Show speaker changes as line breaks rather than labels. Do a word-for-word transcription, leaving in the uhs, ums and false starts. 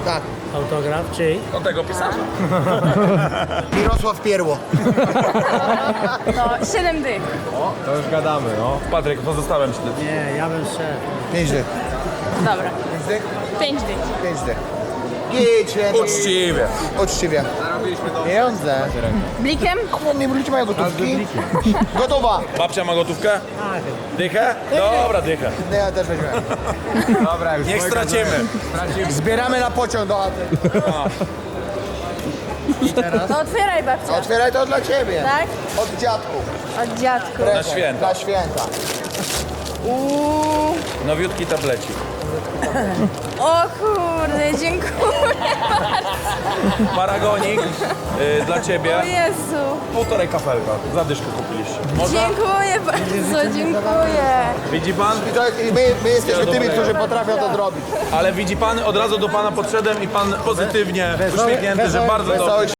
Tak.
Autograf czyj?
Do tego pisarza.
Mirosław Pierło.
No, siedem dych.
To już gadamy, no.
Patryk, pozostałem ci.
Nie, ja bym szedł.
Pięć dych.
Dobra.
Pięć dych?
Pięć dych.
Pięć dych. Idź, lepiej.
Uczciwie.
Uczciwie. Pieniądze.
Blikiem?
Nie ludzie mają gotówki. Gotowa.
Babcia ma gotówkę?
Tak.
Dychę? Dobra, dychę.
Nie, ja też weźmiemy.
Dobra, już.
Niech stracimy.
Zbieramy na pociąg do Aten.
No otwieraj, babcia.
Otwieraj to dla ciebie.
Tak?
Od dziadków.
Od dziadku.
Na święta.
Dla święta.
Uuu.
Nowiutki tablecik.
O kurde, dziękuję.
Paragonik y, dla ciebie.
O Jezu.
Półtorej kafelka. Zadyszkę kupiliście. Można?
Dziękuję bardzo, dziękuję.
Widzi pan?
I to, i my, my jesteśmy tymi, którzy potrafią to zrobić.
Ale widzi pan, od razu do pana podszedłem i pan pozytywnie uśmiechnięty, że bardzo dobrze.
Wesołych